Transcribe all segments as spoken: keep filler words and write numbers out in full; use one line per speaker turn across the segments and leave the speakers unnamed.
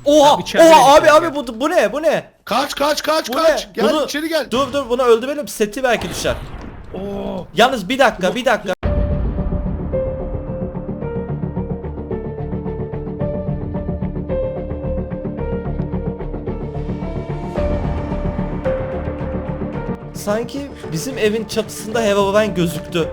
Oha!
içeride
Oha
bekliyor
abi
ya.
abi bu bu ne? Bu ne?
Kaç kaç kaç
Bu
kaç.
ne?
Gel
Bunu-
içeri gel.
Dur dur bunu öldürelim. Seti belki düşer.
Oo.
Yalnız bir dakika, bir dakika. Sanki bizim evin çatısında Herobrine gözüktü.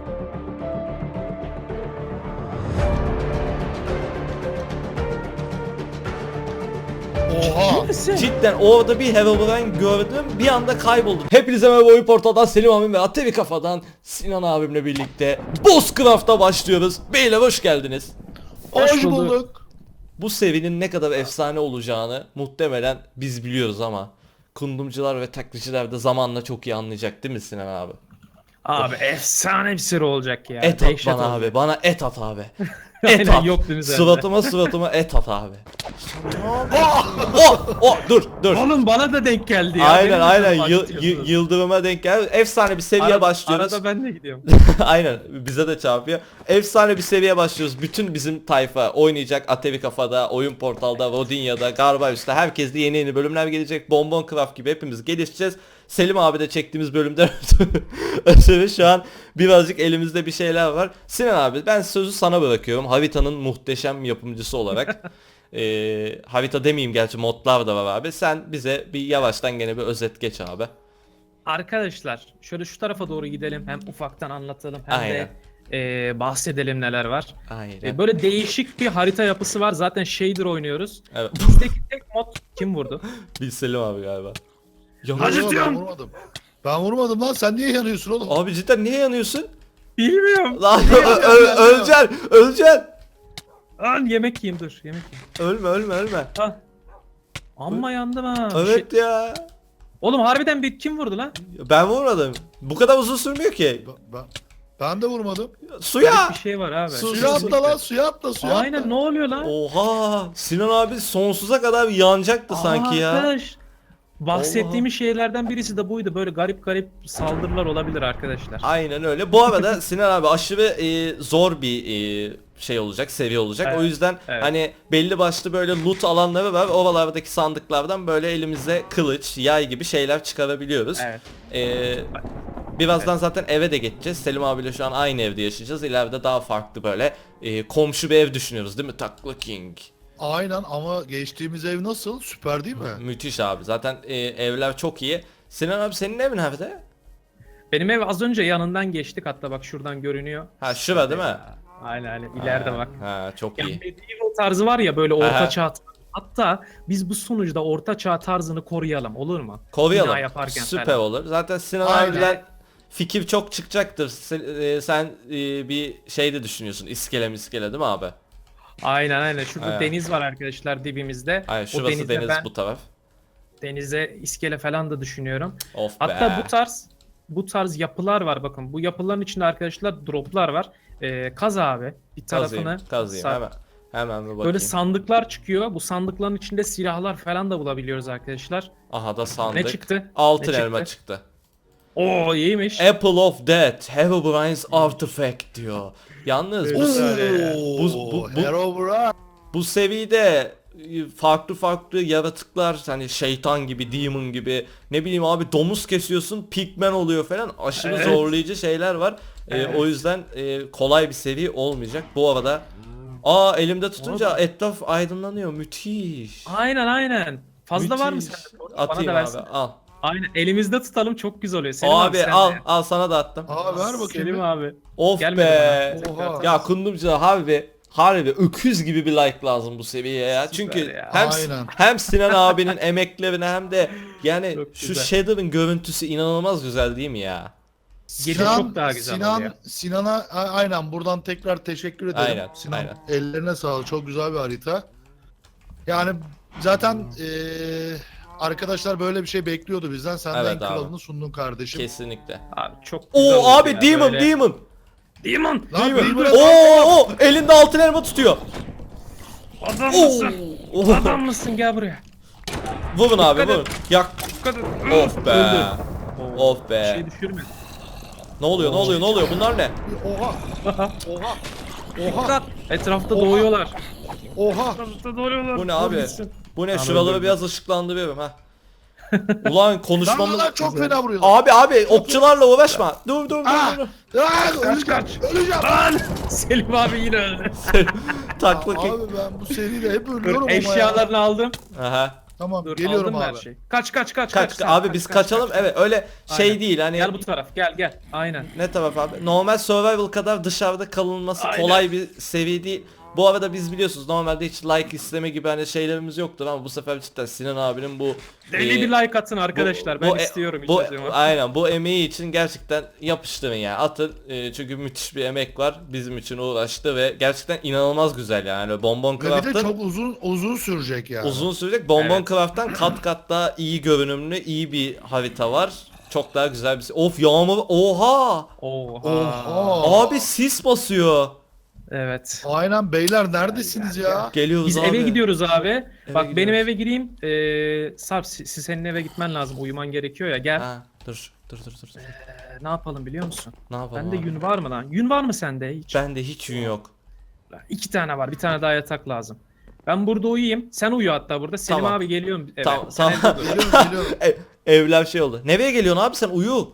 Oha.
Cidden orada bir Herobrine gördüm, bir anda kayboldum. Hepinize merhaba, Oyun Portal'dan Selim abim ve Atevi Kafa'dan Sinan abimle birlikte Buzzcraft'a başlıyoruz. Beyler hoş geldiniz.
Hoş
Hoş bulduk.
bulduk.
Bu serinin ne kadar efsane olacağını muhtemelen biz biliyoruz ama kundumcular ve taklitçiler de zamanla çok iyi anlayacak değil mi Sinan abi?
Abi efsane bir seri olacak ya.
Et at
Dehşet
bana
olacak.
abi, bana et at abi. Et
Aynen,
at.
yok değil mi sende?
Suratıma suratıma et at abi. Oh, oh, dur dur.
Oğlum bana da denk geldi ya.
Aynen
Benim de
aynen
canım
Yı-
acıtıyorsunuz.
yı- yıldırıma denk geldi. Efsane bir seviye
Arada-
başlıyoruz.
Arada ben de gidiyorum.
Aynen bize de çarpıyor. Efsane bir seviye başlıyoruz. Bütün bizim tayfa oynayacak. Atevi Kafa'da, Oyun Portal'da, Rodinya'da, Garbaüs'te herkeste yeni yeni bölümler gelecek. Bonbon Craft gibi hepimiz gelişeceğiz. Selim abi de çektiğimiz bölümden ötürü şu an birazcık elimizde bir şeyler var. Sinan abi ben sözü sana bırakıyorum. Harita'nın muhteşem yapımcısı olarak. Ee, harita demeyeyim gerçi modlar da var abi. Sen bize bir yavaştan gene bir özet geç abi.
Arkadaşlar şöyle şu tarafa doğru gidelim. Hem ufaktan anlatalım hem
Aynen.
de e, bahsedelim neler var.
Aynen.
E, böyle değişik bir harita yapısı var. Zaten shader oynuyoruz.
Evet.
Bizdeki tek mod kim vurdu?
Bir Selim abi galiba. Ya,
Yo, yo,
Acıtıyorum.
Ben vurmadım. Ben vurmadım lan. Sen niye yanıyorsun oğlum?
abi cidden niye yanıyorsun?
Bilmiyorum.
Lan ö- ö- öleceksin, öleceksin.
Lan yemek yiyeyim dur yemek yiyeyim.
Ölme, ölme, ölme.
Ah. Amma yandım ha.
Evet
Şey-
ya.
Oğlum harbiden bir kim vurdu lan?
Ben vurmadım. Bu kadar uzun sürmüyor ki.
Ben, ben, ben de vurmadım.
Suya.
Bir şey var abi.
Su-
Suya
su-
atla lan suya atla suya atla.
Aynen ne oluyor lan?
Oha. Sinan abi sonsuza kadar yanacaktı sanki ya.
Arkadaş, bahsettiğimiz şeylerden birisi de buydu. Böyle garip garip saldırılar olabilir arkadaşlar.
Aynen öyle. Bu arada Sinan abi aşırı e, zor bir e, şey olacak, seviye olacak.
Evet,
O yüzden
evet.
hani belli başlı böyle loot alanları var. Oralardaki sandıklardan böyle elimize kılıç, yay gibi şeyler çıkarabiliyoruz.
Evet.
Ee, birazdan zaten eve de geçeceğiz. Selim abiyle şu an aynı evde yaşayacağız. İleride daha farklı böyle e, komşu bir ev düşünüyoruz değil mi? Takla King.
Aynen ama geçtiğimiz ev nasıl? Süper değil mi?
Müthiş abi. Zaten e, evler çok iyi. Sinan abi senin evin nerede?
Benim ev az önce yanından geçtik, hatta bak şuradan görünüyor.
Ha şura değil mi?
Aynen aynen ileride
Ha,
bak.
Ha çok
Yani
iyi.
medieval tarzı var ya böyle
Aha.
orta çağ. Hatta biz bu sunucuda orta çağ tarzını koruyalım, olur mu? Bina
Koruyalım.
yaparken
Süper
falan.
olur. Zaten Sinan
Aynen.
abiler fikir çok çıkacaktır. Sen, e, sen e, bir şey de düşünüyorsun. İskele miskele değil mi abi?
Aynen aynen. Şurada
Aynen.
deniz var arkadaşlar dibimizde.
Aynen
O
şurası
denizde
deniz
ben
bu taraf.
denize iskele falan da düşünüyorum.
Of
Hatta
be.
bu tarz bu tarz yapılar var bakın. Bu yapıların içinde arkadaşlar droplar var. Ee, kaz abi bir tarafını.
Kazıyım, kazıyım
sar-
hemen. Hemen bir bakayım.
Böyle sandıklar çıkıyor. Bu sandıkların içinde silahlar falan da bulabiliyoruz arkadaşlar.
Aha da sandık.
Ne çıktı?
Altın
Ne
elma
çıktı?
çıktı.
Oo iyiymiş.
Apple of Death, Herobrine's Artifact diyor. Yalnız bu,
Güzel.
Oo,
bu, bu, bu,
Herobrine.
bu seviyede e, farklı farklı yaratıklar hani şeytan gibi, demon gibi ne bileyim abi domuz kesiyorsun, pigmen oluyor falan aşırı
Evet.
zorlayıcı şeyler var. E,
Evet.
o yüzden e, kolay bir seviye olmayacak. Bu arada aa elimde tutunca etraf aydınlanıyor. Müthiş.
Aynen aynen. Fazla var mı
Müthiş.
sende? Bana
Atayım
da
abi
versin.
al.
Aynen elimizde tutalım, çok güzel oluyor. Selim
Abi,
abi, sen
al
de.
al sana da attım.
Aa ver bakayım.
Selim
bir.
abi.
Of
Gelmedi
be.
bana.
Oha.
Ya kundumcular harbi harbi öküz gibi bir like lazım bu seviyeye ya.
Süper
Çünkü
ya.
hem
Aynen.
hem Sinan abinin emeklerine hem de yani
Çok
şu
güzel.
Shader'ın görüntüsü inanılmaz güzel değil mi ya?
Gece çok daha güzel
Sinan,
oluyor.
Sinan'a a- aynen buradan tekrar teşekkür ederim.
Aynen,
Sinan
aynen.
ellerine sağlık. Çok güzel bir harita. Yani zaten eee, arkadaşlar böyle bir şey bekliyordu bizden. Sen de
Evet
en
abi.
kralını sundun kardeşim.
Kesinlikle.
Abi çok güzel
Oo
oldu
abi
ya,
Demon
böyle.
Demon.
Demon.
Lan
Demon.
Demon'e
Oo oo, elinde altın elma tutuyor.
Adam
Oo.
mısın?
Oo.
Adam mısın, gel buraya.
Vurun abi
Dikkat
vurun. Yak.
Dikkat et.
Of be.
Öldü.
Of
Bir
be.
şey düşürme.
Ne oluyor ne oluyor ne oluyor bunlar ne?
Oha. Oha. Oha.
Etrafta
Oha.
doğuyorlar.
Oha.
Etrafta doğuyorlar.
Bu ne abi?
Dur gitsin.
Bu ne?
Tamam,
Şuraları
öldürdüm.
biraz ışıklandırıyorum ha. Ulan
Lan
konuşmamız...
lan çok fena vuruyor.
Abi abi okçularla uğraşma. Dur dur
Ah!
dur. dur.
Lan
Kaç,
öleceğim.
kaç.
Öleceğim.
Lan! Selim abi yine öldü.
Takla ki.
Abi ben bu seride hep ölüyorum
Dur,
ama ya.
eşyalarını aldım.
Aha.
Tamam
Dur,
geliyorum
aldım
abi.
her şeyi. Kaç kaç kaç
Kaç,
sen,
abi
kaç,
biz
kaç,
kaçalım.
kaç.
Evet öyle şey
Aynen.
değil hani.
Gel bu taraf gel gel. Aynen.
Ne taraf abi? Normal survival kadar dışarıda kalınması
Aynen.
kolay bir seviye değil. Bu arada biz biliyorsunuz normalde hiç like isteme gibi hani şeylerimiz yoktur ama bu sefer cidden Sinan abinin bu
Deli
e,
bir like atın arkadaşlar.
bu-
ben
bu e-
istiyorum.
Bu,
hiç acımam.
aynen bu emeği için gerçekten yapıştırın yani atın e, çünkü müthiş bir emek var bizim için uğraştı ve gerçekten inanılmaz güzel yani Bonbon
Ve bir de
Craft'ın
çok uzun uzun sürecek yani.
uzun sürecek Bonbon
Evet.
Craft'tan kat kat daha iyi görünümlü iyi bir harita var. Çok daha güzel bir of yağmur oha
Oha.
Oha.
abi sis basıyor.
Evet.
Aynen beyler neredesiniz ya?
Geliyoruz
Biz
abi.
eve gidiyoruz abi. Bak benim
gidiyoruz.
eve gireyim. Ee, Sarp si- si- senin eve gitmen lazım. Uyuman gerekiyor ya. Gel.
Ha, dur dur dur dur. dur.
Ee, ne yapalım biliyor musun?
Ne yapalım
Bende
abi?
yün var mı lan? Yün var mı sende hiç?
Bende hiç yün yok.
İki tane var. Bir tane daha yatak lazım. Ben burada uyuyayım. Sen uyu hatta burada. Selim
Tamam.
abi geliyorum eve.
Tamam,
Sen
tamam.
evde dur.
Geliyorum geliyorum.
Ev, evler şey oldu. Nereye geliyorsun abi sen uyu.
Yok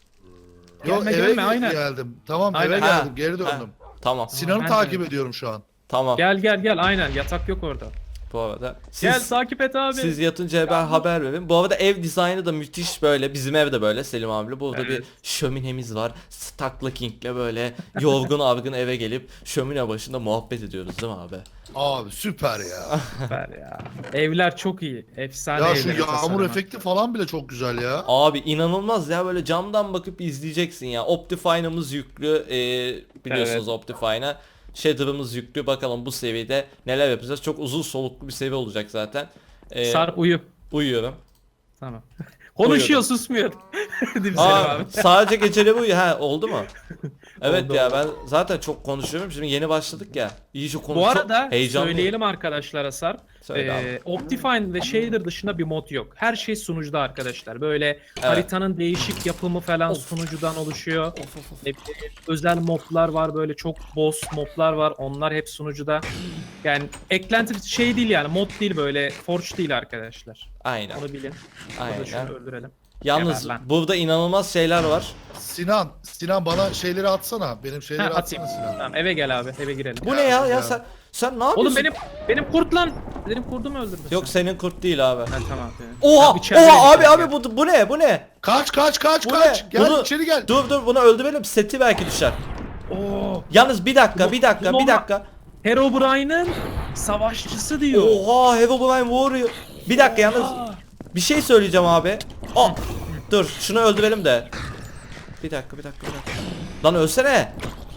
Gelme,
eve
gelme,
gel-
aynen.
geldim. Tamam
Aynen.
eve
Ha,
geldim geri
ha.
döndüm.
Tamam
Sinan'ı
ben
takip
de-
ediyorum şu an.
tamam.
Gel gel gel aynen yatak yok orada.
Bu arada siz
Gel takip et abi.
siz yatınca ben haber verin. Bu arada ev dizaynı da müthiş böyle. Bizim ev de böyle Selim abiyle. Burada bir
Evet.
şöminemiz var. Stakla King'le böyle yorgun argın eve gelip şömine başında muhabbet ediyoruz değil mi abi?
Abi süper ya.
Süper ya. Evler çok iyi. Efsane
ya
evler.
şu yağmur
tasarımı.
efekti falan bile çok güzel ya.
Abi inanılmaz ya böyle camdan bakıp izleyeceksin ya. Optifine'ımız yüklü. Ee, biliyorsunuz
Evet.
Optifine'a. Shader'ımız yüklü. Bakalım bu seviyede neler yapacağız. Çok uzun soluklu bir seviye olacak zaten. Ee,
Sarp uyu.
uyuyorum.
Tamam. Konuşuyor susmuyor. Değil mi Selim
Aa,
abi?
sadece geceleri uyu. Ha oldu mu? Evet
Oldu,
ya
oldu.
ben zaten çok konuşuyorum. Şimdi yeni başladık ya. İyice konuş.
Bu arada
heyecanlıyım.
söyleyelim arkadaşlara Sarp.
Söyle abi.
Ee, Optifine ve Shader dışında bir mod yok. Her şey sunucuda arkadaşlar. Böyle
Evet.
haritanın değişik yapımı falan
Of.
sunucudan oluşuyor.
Of, of, of.
Ne bileyim, özel moblar var böyle çok boss moblar var. Onlar hep sunucuda. Yani eklenti şey değil yani mod değil böyle forge değil arkadaşlar.
Aynen.
Onu bilin. Burada
Aynen.
şunu öldürelim.
Yalnız
Geber lan.
burada inanılmaz şeyler var.
Sinan, Sinan bana şeyleri atsana. Benim
Ha,
şeyleri
atayım.
atsana Sinan.
Tamam eve gel abi eve girelim.
Bu ne ya? Ya
ya.
sen sen ne yapıyorsun?
Oğlum benim benim kurt lan. Benim kurdumu öldürdün
Yok
sen.
senin kurt değil abi.
Ha, tamam.
Oha!
Ya, içeride
Oha abi
bekliyorum
abi
ya.
bu bu ne? Bu ne?
Kaç kaç kaç
Bu
kaç.
ne?
Gel
Bunu-
içeri gel.
Dur dur bunu öldürelim. Seti belki düşer.
Oo.
Yalnız bir dakika,
Bu-
bir dakika,
bu
bir
normal-
dakika.
Herobrine'ın savaşçısı diyor.
Oha, Herobrine Warrior. Bir dakika yalnız
Aa.
bir şey söyleyeceğim abi. Aa, dur şunu öldürelim de. Bir dakika, bir dakika, bir dakika. Lan ölsene.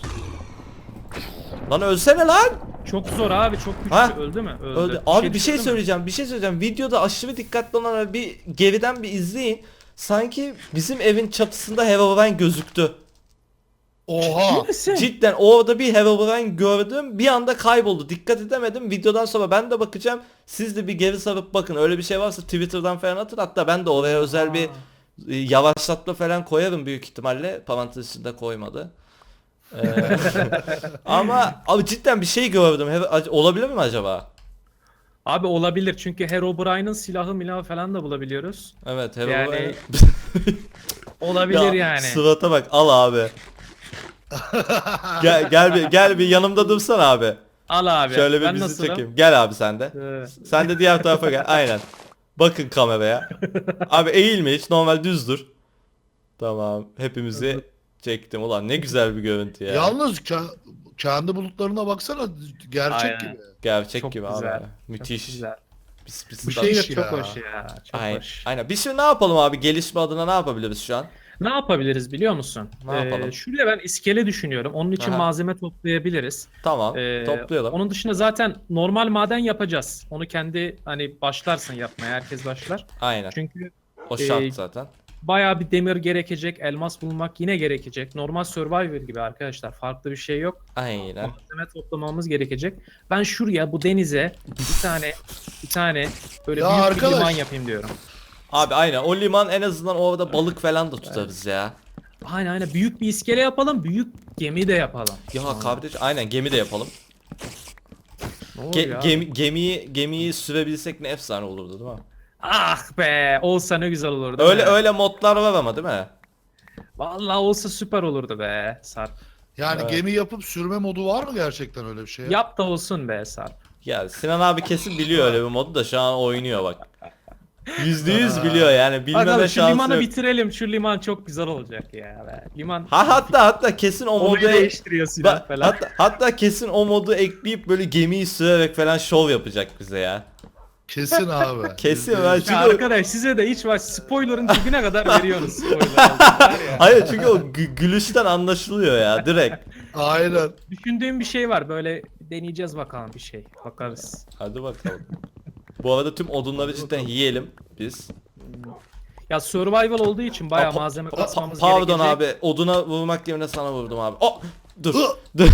Lan ölsene lan.
Çok zor abi çok güçlü.
Ha?
Öldü mü? Öldü.
Öldü. Abi bir şey
düşürdü mü?
söyleyeceğim. Bir şey söyleyeceğim. Videoda aşırı dikkatli olan bir geriden bir izleyin. Sanki bizim evin çatısında Herobrine gözüktü.
Oha.
Ciddi misin?
Cidden orada bir Herobrine gördüm. Bir anda kayboldu. Dikkat edemedim. Videodan sonra ben de bakacağım. Siz de bir geri sarıp bakın. Öyle bir şey varsa Twitter'dan falan atın. Hatta ben de oraya özel bir e, yavaşlatma falan koyarım büyük ihtimalle. Parantez içinde koymadı. Ee, ama abi cidden bir şey gördüm. Hero- olabilir mi acaba?
Abi olabilir çünkü Herobrine'ın silahı milahı falan da bulabiliyoruz.
Evet Herobrine.
Yani- Olabilir
Ya,
yani.
Sıvata bak al abi. gel gel bir gel bir yanımda dursan abi.
Al abi.
Şöyle bir
ben
bizi
nasılım?
çekeyim. Gel abi sen de.
Ee,
Sen de diğer tarafa gel. Aynen. Bakın kameraya. Abi eğilme hiç normal düz dur. Tamam. Hepimizi çektim. Ulan ne güzel bir görüntü ya.
Yalnız ke- kendi bulutlarına baksana gerçek
Aynen.
gibi.
Gerçek
Çok
gibi
güzel.
abi. Müthiş.
Çok güzel.
Pis pis.
Bir
tat-
şey
Şey
iş
çok
ya.
hoş ya. Çok
Aynen.
hoş.
Aynen. Biz şimdi ne yapalım abi? Gelişme adına ne yapabiliriz şu an?
Ne yapabiliriz biliyor musun?
Ne yapalım?
Şuraya ben iskele düşünüyorum. Onun için
Aha.
malzeme toplayabiliriz.
Tamam.
Ee,
toplayalım.
Onun dışında zaten normal maden yapacağız. Onu kendi hani başlarsın yapmaya. Herkes başlar.
Aynen.
Çünkü
O şart
e,
zaten.
bayağı bir demir gerekecek. Elmas bulmak yine gerekecek. Normal Survivor gibi arkadaşlar. Farklı bir şey yok.
Aynen.
Malzeme toplamamız gerekecek. Ben şuraya bu denize bir tane bir tane böyle
Ya
büyük
arkadaş.
bir liman yapayım diyorum.
Abi aynen. O liman en azından orada balık falan da tutarız ya.
Aynen aynen büyük bir iskele yapalım. Büyük gemi de yapalım.
Ya kardeş aynen gemi de yapalım.
Ne
Ge-
oluyor abi?
gemi- gemiyi gemiyi sürebilsek ne efsane olurdu değil mi?
Ah be, olsa ne güzel olurdu.
Öyle
be.
öyle modlar var ama değil mi?
Vallahi olsa süper olurdu be Sarp.
Yani
Evet.
gemi yapıp sürme modu var mı gerçekten öyle bir şey?
Yap da olsun be Sarp.
Ya Sinan abi kesin biliyor öyle bir modu da şu an oynuyor bak. Yüzde yüz biliyor yani bilmeme
Bakalım şu
şansı
limanı
yok.
bitirelim. Şu liman çok güzel olacak ya be. Liman
Ha hatta hatta kesin o
olayı
modu
değiştiriyor silah
Ba-
falan.
hatta, hatta kesin o modu ekleyip böyle gemiyi sürerek falan şov yapacak bize ya.
Kesin abi.
Kesin
Yüzde
ben
yüz.
çünkü
Ya
o-
arkadaş size de hiç var spoiler'ın dibine kadar veriyorsunuz spoiler. var ya.
Hayır çünkü o gü- gülüşten anlaşılıyor ya direkt.
Aynen.
Düşündüğüm bir şey var böyle deneyeceğiz bakalım bir şey. Bakarız.
Hadi bakalım. Bu arada tüm odunları cidden yiyelim biz.
Ya survival olduğu için bayağı
Aa, pa-
malzeme
pa-
kasmamız
Pardon
gerekecek.
abi oduna vurmak yerine sana vurdum abi. Oh, dur.
Hı!
dur.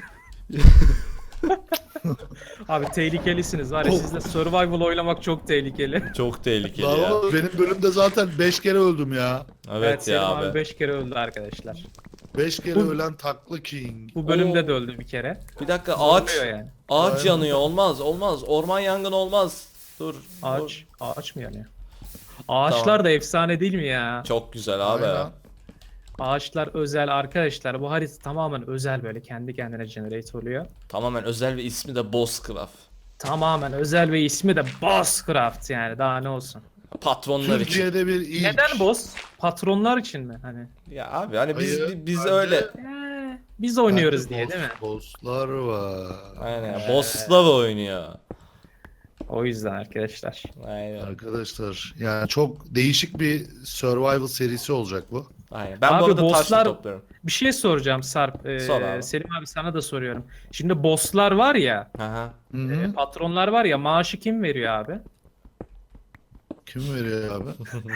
Abi tehlikelisiniz var ya
Oh.
sizle survival oynamak çok tehlikeli.
Çok tehlikeli
Lan
ya.
oğlum, benim bölümde zaten beş kere öldüm ya.
Evet,
Selim
ya
abi
abi.
beş kere öldü arkadaşlar.
beş kere
Bu-
ölen taklı king.
Bu bölümde
Oo.
de öldü bir kere.
Bir dakika ağaç
Oluyor yani.
ağaç
Aynen.
yanıyor olmaz olmaz orman yangını olmaz. Dur. dur.
Ağaç, ağaç mı yanıyor? Ağaçlar
Tamam.
da efsane değil mi ya?
Çok güzel abi.
Aynen.
Ağaçlar özel arkadaşlar. Bu harita tamamen özel böyle kendi kendine generate oluyor.
Tamamen özel ve ismi de Bozcraft.
Tamamen özel ve ismi de Bosscraft yani daha ne olsun.
Patronlar için.
Türkiye'de bir ilk.
Neden boss? Patronlar için mi hani?
Ya abi hani biz
Hayır,
biz
bence-
öyle
Ee, biz oynuyoruz
Bende
diye
boss-
değil mi?
Bosslar var.
aynen ya, bosslar oynuyor.
O yüzden arkadaşlar.
Aynen.
Arkadaşlar yani çok değişik bir survival serisi olacak bu.
Aynen. Ben bu
Abi
arada taş da
bosslar-
topluyorum.
Bir şey soracağım Sarp. Ee,
Sor abi.
Selim abi sana da soruyorum. Şimdi bosslar var ya,
Aha.
Hı
e,
-hı.
patronlar var ya maaşı kim veriyor abi?
Kim veriyor abi?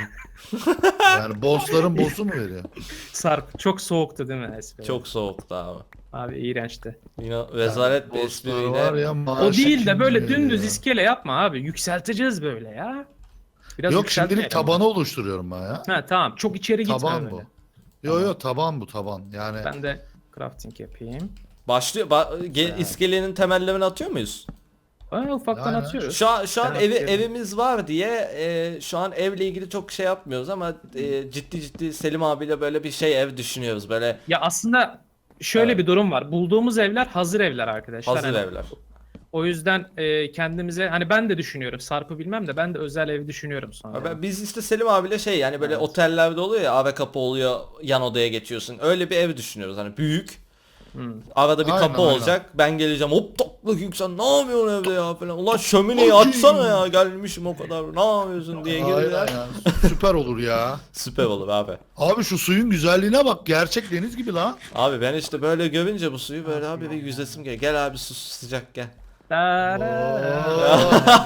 Yani bossların boss'u mu veriyor?
Sarp çok soğuktu değil mi espri?
Çok soğuktu abi.
Abi iğrençti.
Yine rezalet bir
Bosslar var
espriyle.
ya,
O
maaşı
değil de
kim
böyle
veriyor?
dümdüz iskele yapma abi. Yükselteceğiz böyle ya. Biraz
Yok
yükseltmeyelim.
şimdilik tabanı oluşturuyorum ben ya.
Ha tamam. Çok içeri gitme
Taban bu.
böyle.
Yo yo taban bu taban. Yani
Ben de crafting yapayım.
Başlıyor. Ba ge- iskelenin temellerini atıyor muyuz?
Aa, ufaktan
Aynen.
atıyoruz.
Şu an şu an
Ben
evi
atıyorum.
evimiz var diye e, şu an evle ilgili çok şey yapmıyoruz ama e, ciddi ciddi Selim abiyle böyle bir şey ev düşünüyoruz böyle
Ya aslında şöyle
Evet.
bir durum var. Bulduğumuz evler hazır evler arkadaşlar.
hazır
Hani
evler.
O yüzden e, kendimize hani ben de düşünüyorum. Sarp'ı bilmem de ben de özel ev düşünüyorum sonra.
Ha, ben- Biz işte Selim abiyle şey yani böyle
Evet.
otellerde oluyor ya ave kapı oluyor yan odaya geçiyorsun. Öyle bir ev düşünüyoruz hani büyük.
Hmm.
Arada bir
Aynen,
kapı
aynen.
olacak. Ben geleceğim. Hop tok bakayım sen ne yapıyorsun evde ya falan. Ulan şömineyi açsana ya gelmişim o kadar. Ne yapıyorsun diye
aynen
gelirler.
ya. Süper olur ya.
Süper olur abi.
Abi şu suyun güzelliğine bak. Gerçek deniz gibi lan.
Abi ben işte böyle görünce bu suyu böyle abi bir yüzesim gel. Gel abi su sıcak gel.
Tarara.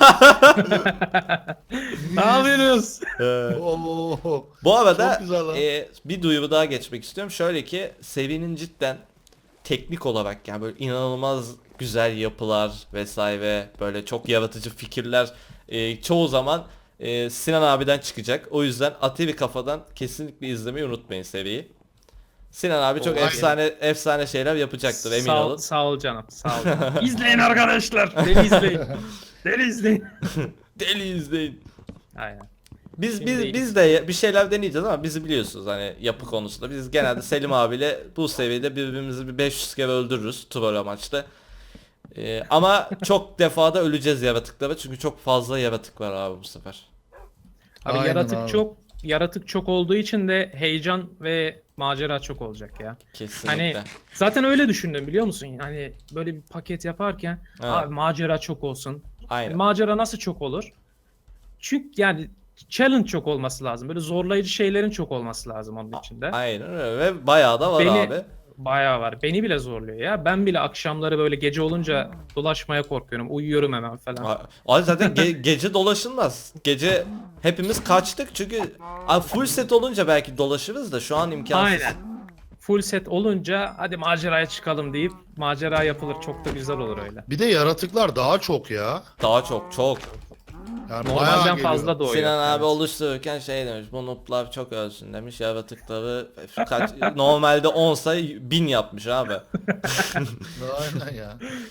Ne yapıyorsunuz?
Oo.
Bu arada
Çok güzel lan.
e, bir duyuru daha geçmek istiyorum. Şöyle ki serinin cidden teknik olarak yani böyle inanılmaz güzel yapılar vesaire böyle çok yaratıcı fikirler e, çoğu zaman e, Sinan abiden çıkacak. O yüzden Atevi Kafa'dan kesinlikle izlemeyi unutmayın seriyi. Sinan abi çok
Olay.
efsane efsane şeyler yapacaktır emin
sağ, ol-
olun.
Sağ ol canım. Sağ ol canım. İzleyin arkadaşlar. Deli izleyin. Deli izleyin.
Deli izleyin.
Aynen.
Biz
Şimdi-
biz biz de bir şeyler deneyeceğiz ama bizi biliyorsunuz hani yapı konusunda. Biz genelde Selim abiyle bu seviyede birbirimizi bir beş yüz kere öldürürüz troll amaçlı. Ee, ama çok defada öleceğiz yaratıklara çünkü çok fazla yaratık var abi bu sefer.
Abi
Aynen
yaratık
abi.
çok yaratık çok olduğu için de heyecan ve macera çok olacak ya.
Kesinlikle.
Hani zaten öyle düşündüm biliyor musun? Hani böyle bir paket yaparken
Evet.
abi macera çok olsun.
Aynen.
Macera nasıl çok olur? Çünkü yani challenge çok olması lazım. Böyle zorlayıcı şeylerin çok olması lazım onun içinde.
Aynen öyle ve bayağı da var
Beni-
abi.
Bayağı var. Beni bile zorluyor ya. Ben bile akşamları böyle gece olunca dolaşmaya korkuyorum. Uyuyorum hemen falan.
A- Abi zaten ge- gece dolaşılmaz. Gece hepimiz kaçtık çünkü abi full set olunca belki dolaşırız da şu an imkansız.
Aynen. Full set olunca hadi maceraya çıkalım deyip macera yapılır. Çok da güzel olur öyle.
Bir de yaratıklar daha çok ya.
Daha çok çok.
Yani bayağı
Normalden
geliyor.
fazla doğuyor.
Sinan abi
Evet.
oluştururken şey demiş bu noob'lar çok ölsün demiş yaratıkları kaç normalde onsa bin yapmış abi.
Aynen ya.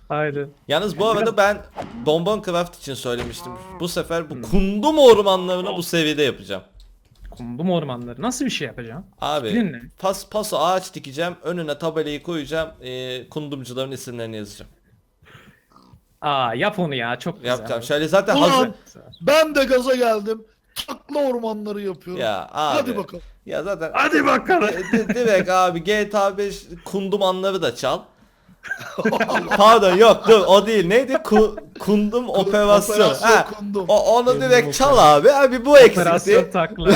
Aynen.
Yalnız bu
Yani
arada ben Bonbon Craft için söylemiştim. Bu sefer bu kundum ormanlarını bu seviyede yapacağım.
Kundum ormanları. Nasıl bir şey yapacağım?
Abi
Bilin ne?
pas paso ağaç dikeceğim. Önüne tabelayı koyacağım. E, kundumcuların isimlerini yazacağım.
Aa yap onu ya. Çok güzel.
Yapacağım. Şöyle zaten hazır.
Ulan ben de gaza geldim. Takla ormanları yapıyorum.
Ya abi.
Hadi bakalım.
Ya zaten
Hadi bakalım.
di- direkt abi G T A beş kundum anları da çal. Pardon yok dur o değil. Neydi? Ku- kundum operasyon.
Operasyon
Ha,
kundum.
O, onu
Kundum
direkt çal abi. Abi bu
Operasyon
eksikti.
takla.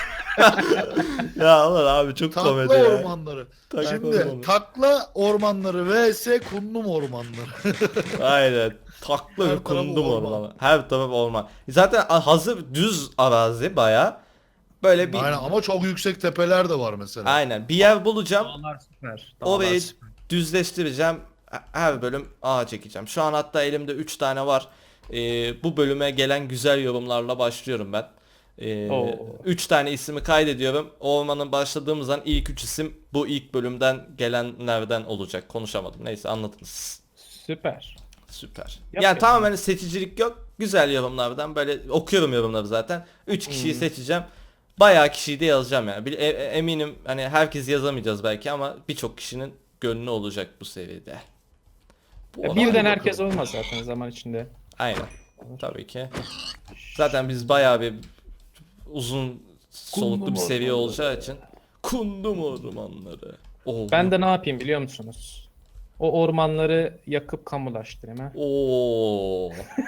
Ya ulan abi çok
Takla
komedi ya.
ormanları.
Takla
Şimdi
ormanları.
takla ormanları vs kundum ormanları.
Aynen. Takla
Her
bir
taraf
kundum
orman.
ormanı. Her taraf orman. Zaten hazır düz arazi baya. Böyle bir
Aynen ama çok yüksek tepeler de var mesela.
aynen bir yer bulacağım.
Dağlar süper. Dağlar
Orayı
süper.
düzleştireceğim. Her bölüm ağa çekeceğim. Şu an hatta elimde üç tane var. Ee, bu bölüme gelen güzel yorumlarla başlıyorum ben.
Oo.
üç tane ismi kaydediyorum. Ormanın başladığımız an ilk üç isim bu ilk bölümden gelenlerden olacak. Konuşamadım. Neyse anladınız.
Süper.
Süper.
Yap
yani
ya.
tamamen seçicilik yok. Güzel yorumlardan böyle okuyorum yorumları zaten. üç kişiyi
Hmm.
seçeceğim. Bayağı kişiyi de yazacağım yani. Bir- e- e- eminim hani herkes yazamayacağız belki ama birçok kişinin gönlü olacak bu seviyede. Bu
Ya
olay-
birden
bakalım.
herkes olmaz zaten zaman içinde.
Aynen. Tabii ki. Zaten biz bayağı bir uzun soluklu
Kundum
bir seviye
ormanları.
olacağı için. Kundum ormanları. Oo.
Ben de ne yapayım biliyor musunuz? O ormanları yakıp kamulaştırayım ha.
Oo.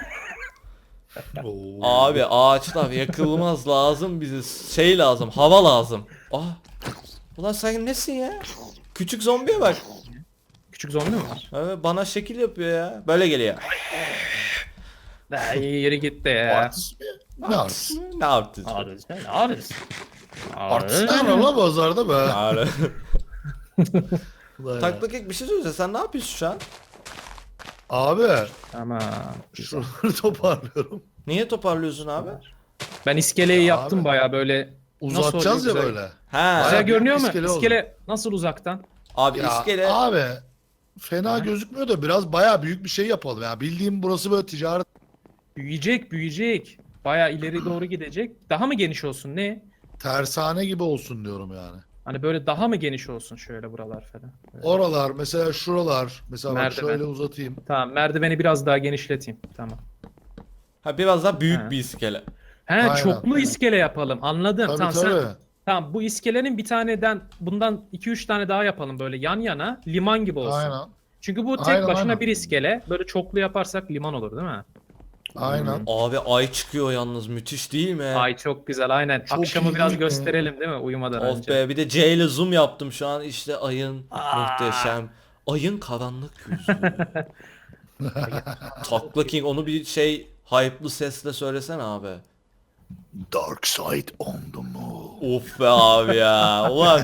Oo.
Abi ağaçlar yakılmaz lazım bize şey lazım hava lazım. Ah. Ulan sen nesin ya? Küçük zombiye bak.
Küçük zombi mi var?
Evet, bana şekil yapıyor ya. Böyle geliyor.
Da iyi yeri gitti ya.
Artist mi? Ne artist?
Ne yaptın?
Arız ne arız?
Artist ne var lan pazarda be?
Ağrı.
Ulan ya.
Takla kek bir şey söyleyeceğim. Sen ne yapıyorsun şu an?
Abi
Tamam.
şuraları toparlıyorum.
Niye toparlıyorsun abi?
Ben iskeleyi
Ya
yaptım
abi.
baya böyle.
Uzatacağız ya
oluyor,
böyle.
Ha.
Güzel
Bayağı
görünüyor mu?
iskele oldu.
İskele nasıl uzaktan?
Abi
Ya
iskele.
abi fena
Ha?
gözükmüyor da biraz bayağı büyük bir şey yapalım ya. Bildiğim burası böyle ticaret.
Büyüyecek büyüyecek. Baya ileri doğru gidecek. Daha mı geniş olsun ne?
Tersane gibi olsun diyorum yani.
Hani böyle daha mı geniş olsun şöyle buralar falan. Böyle.
Oralar mesela şuralar mesela bak
Merdiven.
şöyle uzatayım.
Tamam merdiveni biraz daha genişleteyim. Tamam.
Ha biraz daha büyük
Ha.
bir iskele.
He
Aynen.
çoklu iskele yapalım. Anladım.
Tabii
tamam
tabii.
sen tamam bu iskelenin bir taneden bundan iki üç tane daha yapalım böyle yan yana liman gibi olsun.
Aynen.
Çünkü bu tek
Aynen,
başına
aynen.
bir iskele. Böyle çoklu yaparsak liman olur değil mi?
Aynen.
Abi ay çıkıyor yalnız müthiş değil mi?
Ay çok güzel aynen.
Çok
Akşamı
iyi
biraz
değil mi?
gösterelim değil mi uyumadan
Of
önce.
be bir de C ile zoom yaptım şu an işte ayın
Aa.
muhteşem. Ayın karanlık yüzü. Takla King onu bir şey hype'lı sesle söylesene abi.
Dark side on the moon.
Of be abi ya. Ulan.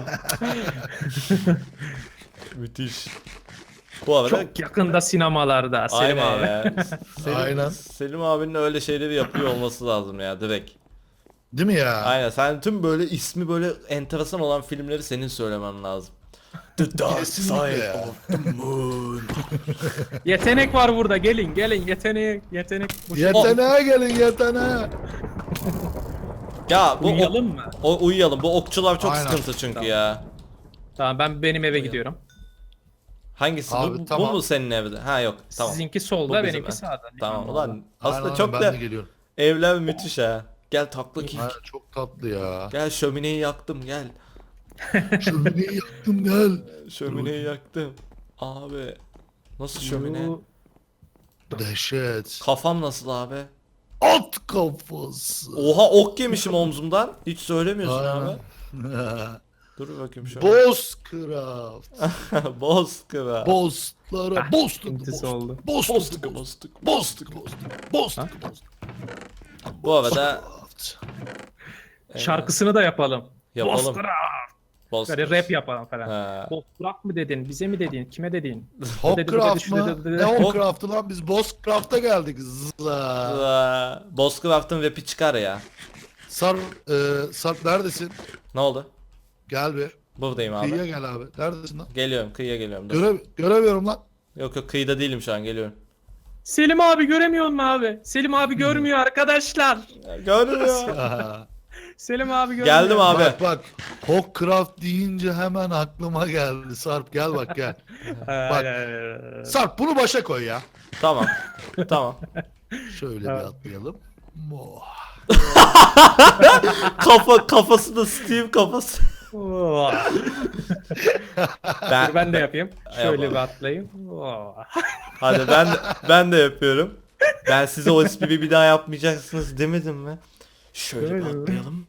Müthiş. Bu arada
Çok yakında sinemalarda Selim
aynen
abi.
ya. Selim,
Aynen.
Selim abinin öyle şeyleri yapıyor olması lazım ya direkt.
Değil mi ya?
Aynen sen tüm böyle ismi böyle enteresan olan filmleri senin söylemen lazım. The Dark
Kesinlikle
Side
ya.
of the Moon.
Yetenek var burada gelin gelin yetenek yetenek. Bu şey-
Yeteneğe gelin yeteneğe.
Ya bu ok-
Uyuyalım mı?
o, uyuyalım. Bu okçular çok
Aynen.
sıkıntı çünkü
Tamam.
ya.
Tamam ben benim eve gidiyorum.
Hangisi?
Abi,
bu,
tamam.
bu mu senin evde? Ha yok. Tamam.
Sizinki
Bu
solda
bizim
benimki
ev.
sağda.
Tamam
Liman
ulan
orada.
aslında
Aynen,
çok
ben
da
de geliyorum.
evler müthiş ha. Gel takla King.
Aynen, çok tatlı ya.
Gel şömineyi yaktım gel.
Şömineyi yaktım gel.
Şömineyi yaktım. Abi. Nasıl şömine?
Bu-
Dehşet.
Kafam nasıl abi?
At kafası.
Oha ok yemişim omzumdan. Hiç söylemiyorsun
Aynen.
abi. Dur bakayım şöyle.
Bozcraft.
Bozkıra.
Bozlara.
Ah,
Boztuk.
sıkıntısı
Boztuk.
oldu.
Boztuk.
Boztuk
Boztuk.
boztuk.
Boztuk. Boztuk. Boztuk.
Bu arada
Bozcraft.
Şarkısını da yapalım.
yapalım.
Bozkıra.
Bozkır.
Böyle rap yapalım falan.
Ha.
Bozkırak mı dedin? Bize mi dedin? Kime dedin?
Hawcraft
Dedi, dedi,
mı?
dedi, dedi.
Ne Hawcraft'ı lan? Biz Bozcraft'a geldik. Zla.
Aa, Bozkır'ın rapi çıkar ya.
Sar, e, Sarp neredesin?
Ne oldu?
Gel bir.
Buradayım abi.
Kıyıya gel abi. Neredesin lan?
Geliyorum kıyıya geliyorum. Dur.
Göre, göremiyorum lan.
Yok yok kıyıda değilim şu an geliyorum.
Selim abi göremiyor mu abi? Selim abi görmüyor arkadaşlar.
Görmüyor.
Aha.
Selim abi görmüyor.
Geldim abi.
Bak bak. Hawkcraft deyince hemen aklıma geldi. Sarp gel bak gel. Bak. Sarp bunu başa koy ya.
Tamam. Tamam.
Şöyle bir
Evet.
atlayalım. Oh.
Kafa kafası da Steve kafası.
Oh.
Ben,
Ben de yapayım. Şöyle
Yapalım.
bir atlayayım. Oh.
hadi ben de, ben de yapıyorum. Ben size o espriyi bir daha yapmayacaksınız demedim mi? Şöyle bir
Öyle mi?
atlayalım.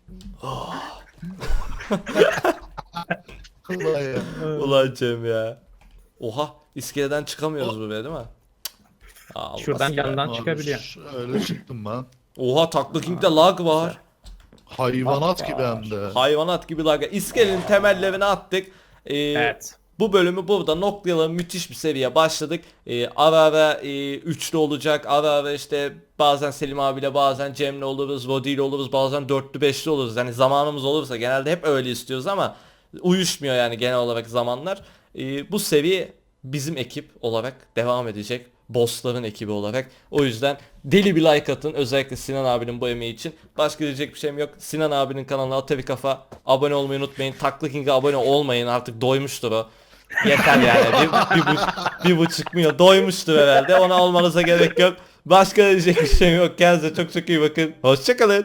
Ulan ya.
Ulan Cem ya. Oha iskeleden çıkamıyoruz buraya değil mi? Allah
Şuradan
aşkına.
yandan
Abi
çıkabiliyor.
Şöyle çıktım ben.
Oha Takla King'de lag var.
Hayvanat gibi hem de.
Hayvanat gibi lag. İskelenin temellerini attık. Ee,
Evet.
Bu bölümü burada noktalayalım. Müthiş bir seviye başladık. Ee, ara ara e, üçlü olacak. Ara ara işte bazen Selim abiyle bazen Cem'le oluruz. Vodi ile oluruz. Bazen dörtlü beşli oluruz. Yani zamanımız olursa genelde hep öyle istiyoruz ama uyuşmuyor yani genel olarak zamanlar. Ee, bu seviye bizim ekip olarak devam edecek. Bossların ekibi olarak. O yüzden deli bir like atın. Özellikle Sinan abinin bu emeği için. Başka diyecek bir şeyim yok. Sinan abinin kanalına Atavi Kafa abone olmayı unutmayın. Takla King'e abone olmayın. Artık doymuştur o. Yeter yani. Bir, bir, buçuk, bir buçuk milyon doymuştur herhalde. Ona olmanıza gerek yok. Başka diyecek bir şeyim yok. Kendinize çok çok iyi bakın. Hoşçakalın.